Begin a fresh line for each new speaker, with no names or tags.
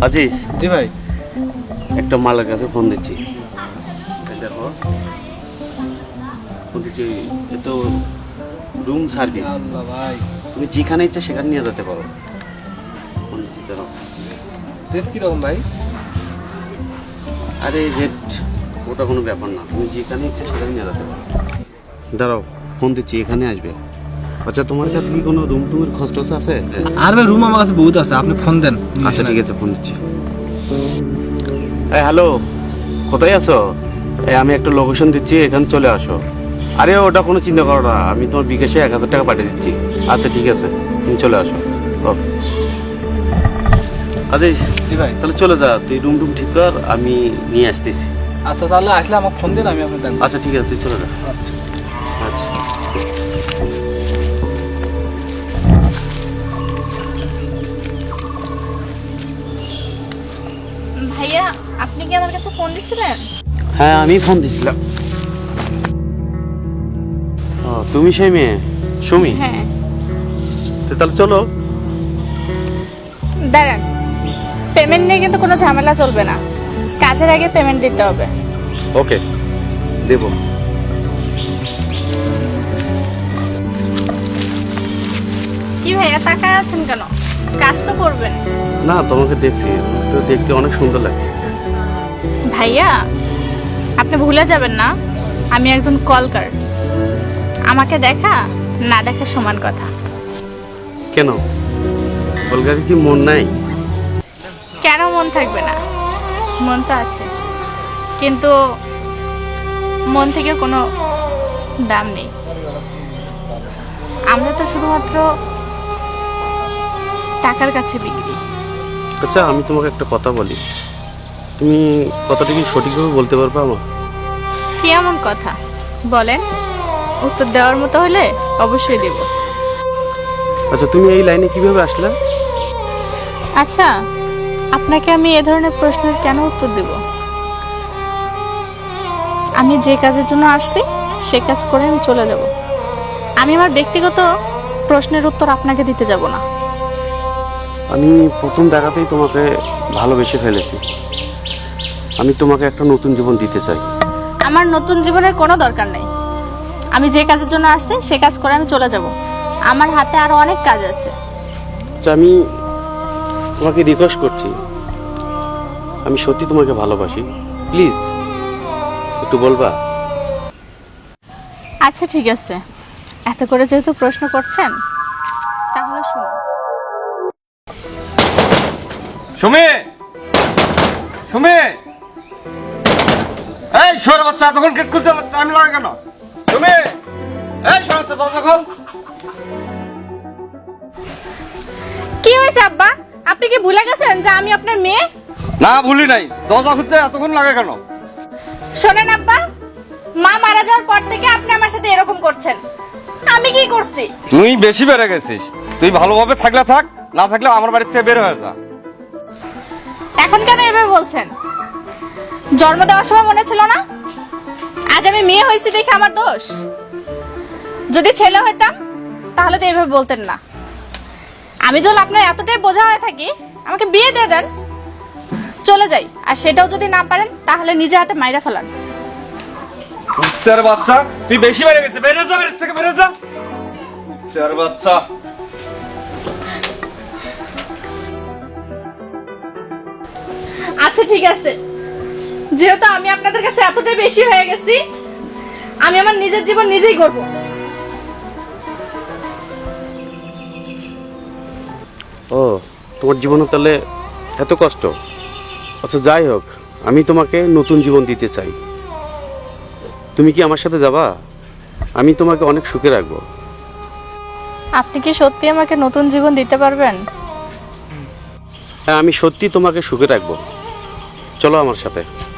আজিজ।
জি ভাই।
একটা মালের কাছে ফোন দিচ্ছি, দেখো ফোন দিচ্ছি। এ তো রুম সার্ভিস,
আল্লাহ ভাই,
তুমি যেখানে ইচ্ছা সেখানে নিয়ে যেতে পারো। ফোন দিচ্ছি, দাঁড়াও।
রেট কিরকম ভাই?
আরে রেট ওটা কোনো ব্যাপার না, তুমি যেখানে ইচ্ছা সেখানে নিয়ে যেতে পারো। দাঁড়াও ফোন দিচ্ছি, এখানে আসবে। আচ্ছা তোমার কাছে কি কোনো রুম টুমের খোঁজ টোজ আছে?
আর ভাই রুম আমার কাছে বহুত আছে, আপনি ফোন দেন।
আচ্ছা ঠিক আছে, ফোন দিচ্ছি। হ্যালো, কোথায় আছো? আমি একটা লোকেশন দিচ্ছি, এখানে চলে আসো। আরে ওটা কোনো চিন্তা করো না, আমি তোমার বিকাশে 1000 টাকা পাঠিয়ে দিচ্ছি। আচ্ছা ঠিক আছে, তুমি চলে আসো। ওকে আজিজ।
জি ভাই।
তাহলে চলে যা, তুই রুম টুম ঠিক কর, আমি নিয়ে আসতেছি।
আচ্ছা তাহলে আসলে আমাকে ফোন দিন, আমি আপনাকে দেখবো।
আচ্ছা ঠিক আছে, তুই চলে যা।
আচ্ছা।
আচ্ছা
ভাইয়া, আপনি কি আমার কাছে ফোন দিছিলেন?
হ্যাঁ, আমি ফোন দিছিলাম। ও, তুমি সেই মেয়ে সুমি?
হ্যাঁ।
তো তাহলে চলো।
দাঁড়ান, পেমেন্ট নিয়ে কিন্তু কোনো ঝামেলা চলবে না, কাজের আগে পেমেন্ট দিতে হবে।
ওকে, দেবো।
কি ভাইয়া তাকায় আছেন কেন? কাজ তো করবেন।
না, তোমাকে দেখছি তো, দেখতে অনেক সুন্দর লাগছে।
ভাইয়া, আপনি ভুলে যাবেন না আমি একজন কলকার। আমাকে দেখা না দেখা সমান কথা।
কেন, কলকাতার কি মন নাই?
কেন মন থাকবে না? মন তো আছে, কিন্তু মন থেকে কোনো দাম নেই। আমরা তো শুধুমাত্র টাকার কাছে বিক্রি।
আচ্ছা আমি তোমাকে একটা কথা বলি, তুমি কথাটা কি সঠিকভাবে বলতে পারবে আমার?
কি এমন কথা বলেন, উত্তর দেওয়ার মতো হলে অবশ্যই দেব।
আচ্ছা তুমি এই লাইনে কিভাবে আসলে?
আচ্ছা, আপনাকে আমি এ ধরনের প্রশ্নের কেন উত্তর দেব? আমি যে কাজের জন্য আসছি সে কাজ করে আমি চলে যাব। আমি আমার ব্যক্তিগত প্রশ্নের উত্তর আপনাকে দিতে যাব না।
আমি প্রথম দেখাতেই তোমাকে ভালোবেসে ফেলেছি। আমি তোমাকে একটা নতুন জীবন দিতে চাই।
আমার নতুন জীবনের কোনো দরকার নেই। আমি যে কাজের জন্য আসছি সে কাজ করে আমি চলে যাব। আমার হাতে আরো অনেক কাজ আছে।
আচ্ছা আমি তোমাকে রিকোয়েস্ট করছি, আমি সত্যি তোমাকে ভালোবাসি, প্লিজ একটু বলবা?
আচ্ছা ঠিক আছে, এত করে যেহেতু প্রশ্ন করছেন তাহলে শুনুন।
সুমি, সুমি, এই সর বাচ্চা, তখন গেট খুলতে টাইম লাগে কেন? সুমি, এই সর বাচ্চা, দরজা খোল।
কি হয়েছে আব্বা? আপনি কি ভুলে গেছেন যে আমি আপনার মেয়ে?
না ভুলি নাই, দরজা খুলতে এতক্ষণ লাগে কেন?
শোনেন আব্বা, মা মারা যাওয়ার পর থেকে আপনি আমার সাথে এরকম করছেন। আমি কি করছি?
তুই বেশি বেড়ে গেছিস। তুই ভালোভাবে থাকলে থাক, না থাকলে আমার বাড়ির থেকে বের হয়ে যা।
এখন কেন এভাবে বলছেন? জন্ম দেওয়ার সময় মনে ছিল না আজ আমি মেয়ে হয়েছি দেখে আমার দোষ? যদি ছেলে হইতাম তাহলে তো এভাবে বলতেন না। আমি যখন আপনার এতটাই বোঝা হয়ে থাকি, আমাকে বিয়ে দিয়ে দেন, চলে যাই। আর সেটাও যদি না পারেন তাহলে নিজে হাতে মাইরা ফেলান।
তোর বাচ্চা, তুই বেশি বেড়ে গেছিস, বের হয়ে যা, বাড়ির থেকে বের হয়ে যা। তোর বাচ্চা।
আচ্ছা ঠিক আছে, যেহেতু আমি আপনাদের কাছে এতটাই বেশি হয়ে গেছি, আমি আমার নিজের জীবন নিজেই গড়ব।
ও, তোমার জীবনে তাহলে এত কষ্ট? আচ্ছা যাই হোক, আমি তোমাকে নতুন জীবন দিতে চাই। তুমি কি আমার সাথে যাবা? আমি তোমাকে অনেক সুখে রাখবো।
আপনি কি সত্যি আমাকে নতুন জীবন দিতে পারবেন?
হ্যাঁ, আমি সত্যি তোমাকে সুখে রাখবো। চলো আমার সাথে।